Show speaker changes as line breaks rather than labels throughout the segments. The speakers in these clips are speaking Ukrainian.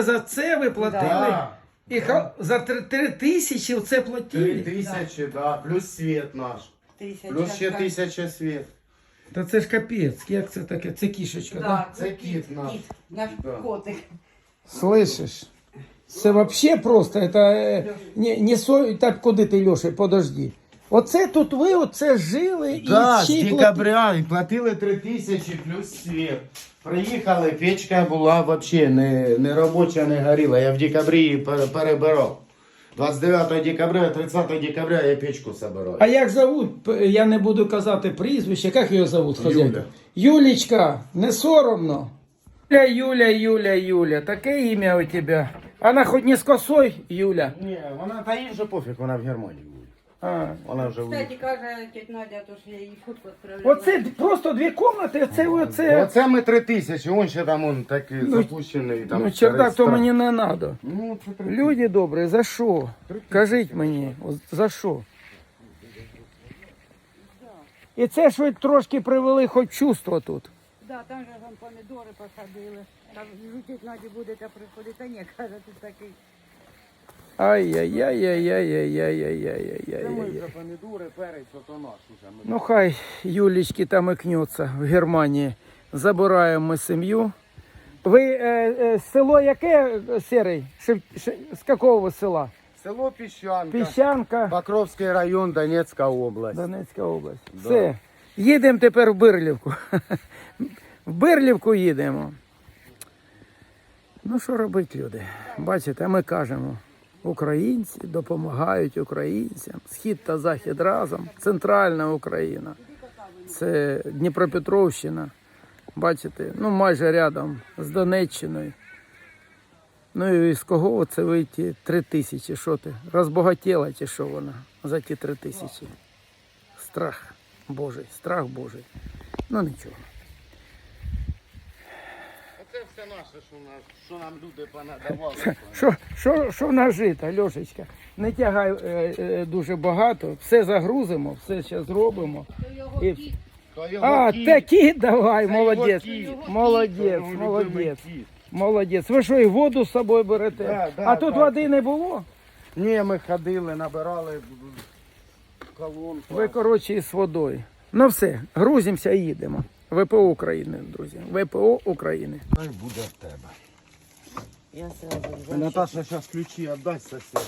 За це ви платили?
Да.
І за 3000 це платили?
3000, да. Плюс свет наш. Плюс ще 1000 свет.
Та це ж капець, як це таке? Це кішечка, так?
Да,
Це кіт наш.
наш
Да.
котик.
Слышиш? Це вообще просто, это не со... Так, куди ти, Льоша, подожди. Оце тут ви оце жили
Да,
і
з
ще й
декабря і платили 3000 плюс свет. Приїхали, печка була вообще не робоча, не горіла. Я в декабрі її перебирав. 29 декабря, 30 декабря я печку собираю.
А як зовут? Я не буду казати прізвище. Як його зовут, хазяйка? Юлечка, не соромно? Юля. Таке ім'я у тебе. Вона хоч не з косой, Юля?
Ні, вона та їй вже пофіг, вона в Германії буде.
А.
Вона вже
Кстати, каже тетя Надя, то що я їй фотку відправляла.
Оце просто дві кімнати, оце.
Оце ми 3000, он ще там он такий запущений. Там
Ну, чердак, то
старий
мені не треба.
Ну, це 3000.
Люди добрі, за що? Кажіть мені, за що? І це ж ви трошки привели хоч чувство тут.
Да, там же там помідори посадили. Там тетя Наді будете приходити, а ні, каже, тут такий.
Ай-яй-яй-яй-яй-яй-яй-яй-яй-яй-яй.
Вже помідори, перець, ото наш уже.
Ну хай Юлечки там икнется в Германії. Забираємо ми сім'ю. Ви село яке, Серий? З якого ви села?
Село Піщанка.
Піщанка,
Покровський район, Донецька область.
Донецька область.
Да.
Все. Їдемо тепер в Бирлівку. В Бирлівку їдемо. Ну що робити, люди? Бачите, ми кажемо, українці допомагають українцям. Схід та захід разом. Центральна Україна. Це Дніпропетровщина. Бачите, ну майже рядом з Донеччиною. Ну і з кого це вийти 3000? Що ти? Розбагатіла чи що вона за ті 3000? Страх Божий, страх Божий. Ну нічого.
Оце все наше, що нам люди понадавали.
Що нажито, Льошечка? Не тягай дуже багато, все загрузимо, все ще зробимо. І... А, такі давай, молодець, молодець. Ви що, і воду з собою берете?
Да,
а тут води не було?
Ні, ми ходили, набирали колонку.
Ви, коротше, із водою. Ну все, грузимося і їдемо. ВПО України, друзі. ВПО України.
Хай буде в тебе.
Я сразу
Наташа зараз ключі віддасть сусіду.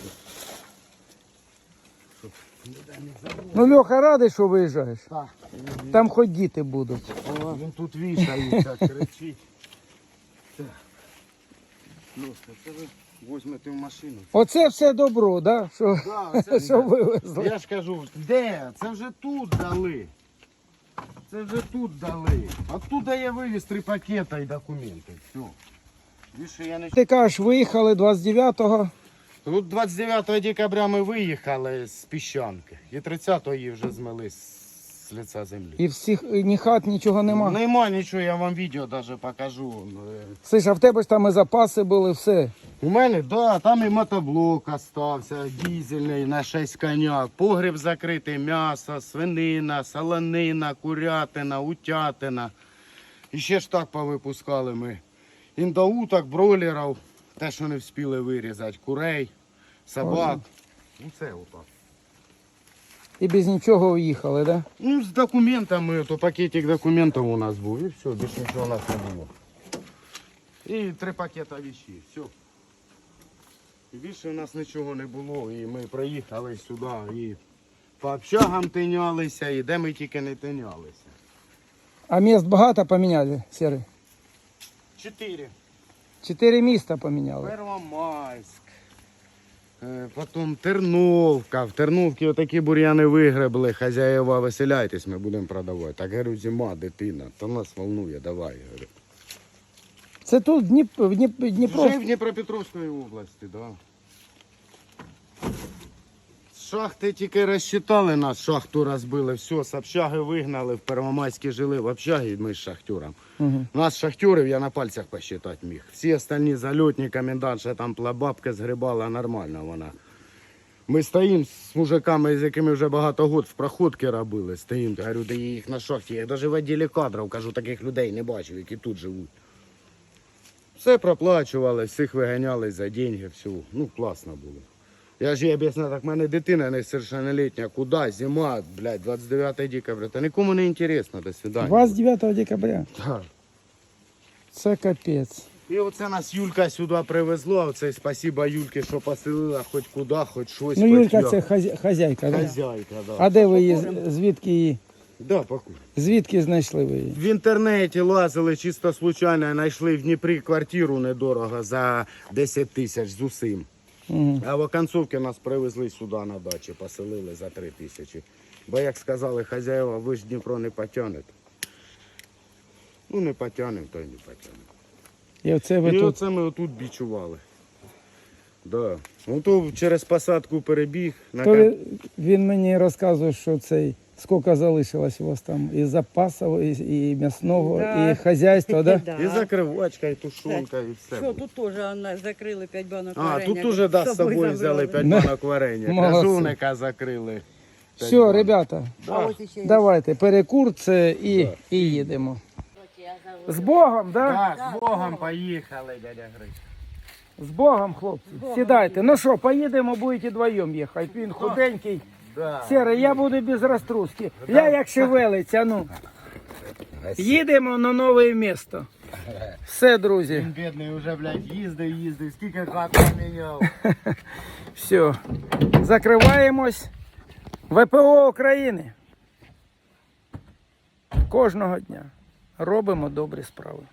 Ну, Льоха, радий, що виїжджаєш?
Так.
Там хоч діти будуть.
Він тут вішається, кричить. Так. Ну, це ви візьмете в машину.
Оце все добро, да? Що,
Да,
що вивезли.
Я ж кажу, де? Це вже тут дали. Це вже тут дали. Оттуда я вивіз 3 пакета і документи. Все. Більше я не...
Ти кажеш, виїхали 29-го.
Тут 29 декабря ми виїхали з Піщанки. І 30-го її вже змили з лиця землі.
І всіх, ні хат, нічого нема.
Нема нічого, я вам відео навіть покажу.
Слиш, а в тебе ж там і запаси були, все.
У мене, да, там і мотоблок остався, дизельний на 6 коняк, погріб закритий, м'ясо, свинина, солонина, курятина, утятина. І ще ж так повипускали ми. Індоуток, бройлерів, те, що не встигли вирізати, курей, собак. Ну це отак.
І без нічого уїхали, да?
Ну, з документами, то пакетик документів у нас був, і все, більше нічого у нас не було. І 3 пакета вещей, все. І більше у нас нічого не було, і ми приїхали сюди, і по общагам тинялися, і де ми тільки не тинялися.
А міст багато поміняли, Серий?
4.
4 міста поміняли.
Первомайськ, потім Терновка. В Терновці отакі бур'яни вигребли, хазяєва, веселяйтесь, ми будемо продавати. Так, говорю, зима, дитина, то нас волнує, давай, говорю.
Це тут Дніпро.
Вже в Дніпропетровській області, так. Да. Шахти тільки розчитали нас, шахту розбили, все, з общаги вигнали, в Первомайській жили в общагі, ми з шахтюром.
Угу.
Нас шахтюрів я на пальцях посчитати міг. Всі остальні зальотні, комендантша там бабка згрібала, нормально вона. Ми стоїмо з мужиками, з якими вже багато років в проходки робили, стоїмо, говорю, де їх на шахті, я навіть в відділі кадрів, кажу, таких людей не бачив, які тут живуть. Все проплачували, всіх виганяли за деньги, все. Ну, класно було. Я ж їй об'ясняв, так в мене дитина несовершеннолітня, куди, зима, блядь, 29 декабря. Та нікому не інтересно, до свидання.
29 декабря.
Так.
Це капець.
І оце нас Юлька сюди привезла, оце спасіба Юльки, що поселила хоч куди, хоч щось.
Ну,
хоч
Юлька
як.
це хазяйка, да?
Хазяйка, да.
А де ви її, звідки її,
Да, покур.
звідки знайшли ви її?
В інтернеті лазили чисто случайно, знайшли в Дніпрі квартиру недорого за 10 тисяч з усім.
Угу.
А в оконцовці нас привезли сюди на дачі, поселили за 3 тисячі. Бо як сказали хазяїва, ви ж Дніпро не потягнете. Ну не потягнемо, то й не потягнемо.
І оце ви
І
тут.
оце ми отут бічували. Да. Ну то через посадку перебіг. На
То він мені розказує, що цей, скільки залишилось у вас там і запасів, і м'ясного,
Да.
і хазяйства, да?
Да.
І закривачка, і тушонка, і все.
Що, тут теж закрили 5 банок
А,
варення.
тут уже да, з собою взяли 5
Да.
банок варення.
Молодці.
Кажуника закрили.
Все, ребята,
А ось іще є.
давайте, перекур це і їдемо. З Богом, да?
Так, з Богом поїхали, дядя Гриш.
З Богом, хлопці. Сідайте. Ну що, поїдемо, будете вдвоєм їхати. Він худенький.
Да.
Сірий, я буду без розтруски. Я як шевелиться, ну. Їдемо на нове місто. Все, друзі.
Він бідний вже, блядь, їздив, скільки хат поміняв.
Все. Закриваємось. ВПО України. Кожного дня робимо добрі справи.